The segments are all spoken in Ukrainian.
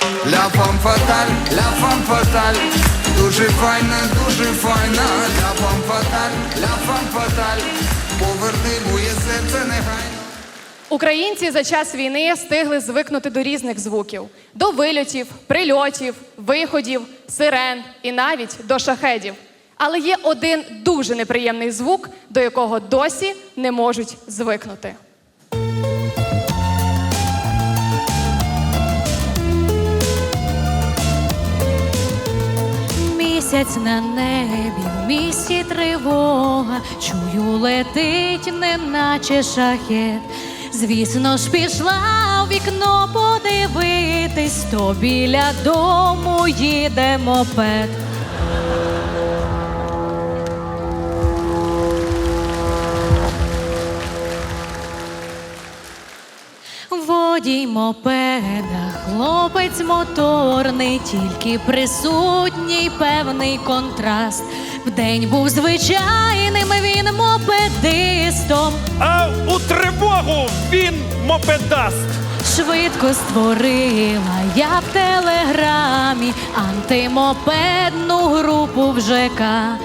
Ля фам фаталь, ля фам фаталь. Дуже файна, ля фам фаталь, ля фам фаталь. Поверни моє серце негайно. Українці за час війни встигли звикнути до різних звуків. До вильотів, прильотів, виходів, сирен і навіть до шахедів. Але є один дуже неприємний звук, до якого досі не можуть звикнути. Місяць на небі, в місті тривога, чую, летить, неначе шахет. Звісно ж, пішла в вікно подивитись, то біля дому їде мопед. Водій мопеда, хлопець моторний, тільки присутній певний контраст. Вдень був звичайним він мопедистом, А у тривогу він мопедаст. швидко створила я в телеграмі антимопедну групу в ЖК.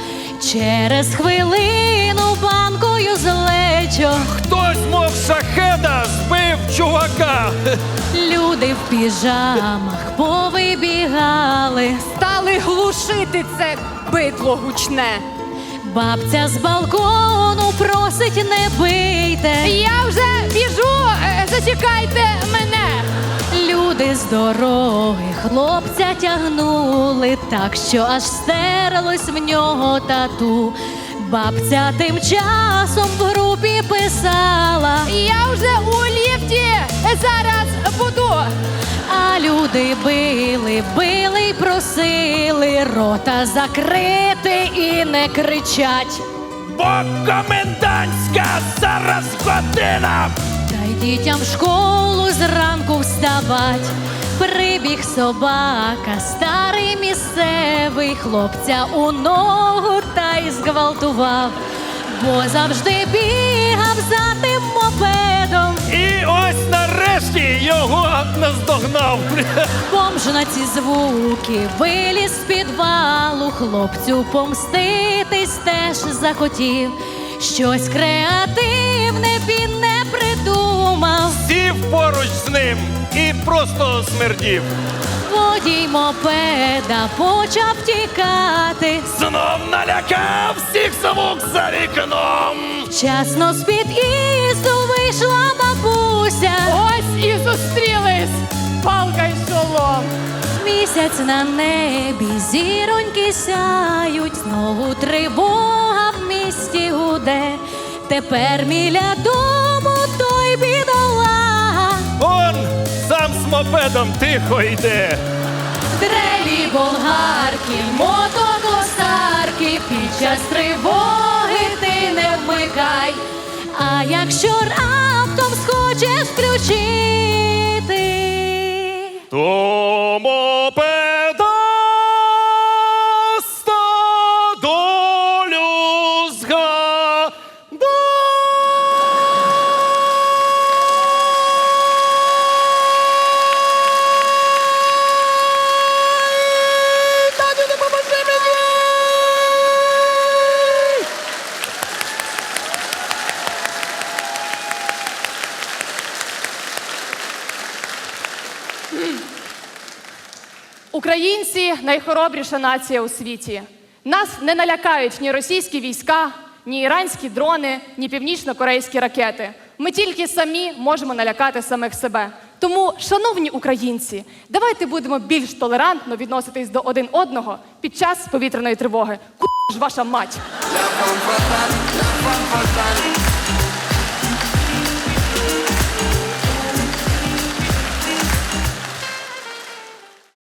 Через хвилину банкою злечо Хтось, мов шахеда, збив чувака. люди в піжамах повибігали. Стали глушити це битло гучне. Бабця з балкону просить, не бийте. Я вже біжу, зачекайте мене. Люди з дороги хлопця тягнули, так що аж стерлось в нього тату. Бабця тим часом в групі писала: Я вже у ліфті, зараз буду. а люди били й просили рота закрити і не кричать. Бо комендантська зараз година. Та й дітям в школу зранку вставать. Прибіг собака, старий місцевий, хлопця у ногу та й зґвалтував, бо завжди бігав за тим мопедом. І ось нарешті його наздогнав. Бомж на ці звуки виліз з підвалу, хлопцю помститись теж захотів. Щось креативне він не придумав. Сів поруч з ним і просто смердів. Водій мопеда почав тікати. Знов налякав всіх звук за вікном. Вчасно з під'їзду вийшла бабуся. Ось і зустрілись, палка й шолом. Місяць на небі, зіроньки сяють, знову тривога в місті гуде. Тепер біля дому той бідолага. Он сам з мопедом тихо йде. Дрелі, болгарки, мотокосарки, під час тривоги ти не вмикай. А якщо раптом схочеш включити, То мопедаста долю згадай. Тату, допоможи мені! Українці – найхоробріша нація у світі. Нас не налякають ні російські війська, ні іранські дрони, ні північно-корейські ракети. Ми тільки самі можемо налякати самих себе. Тому, шановні українці, давайте будемо більш толерантно відноситись до один одного під час повітряної тривоги. Ку*** ж ваша мать! Ля фам фаталь,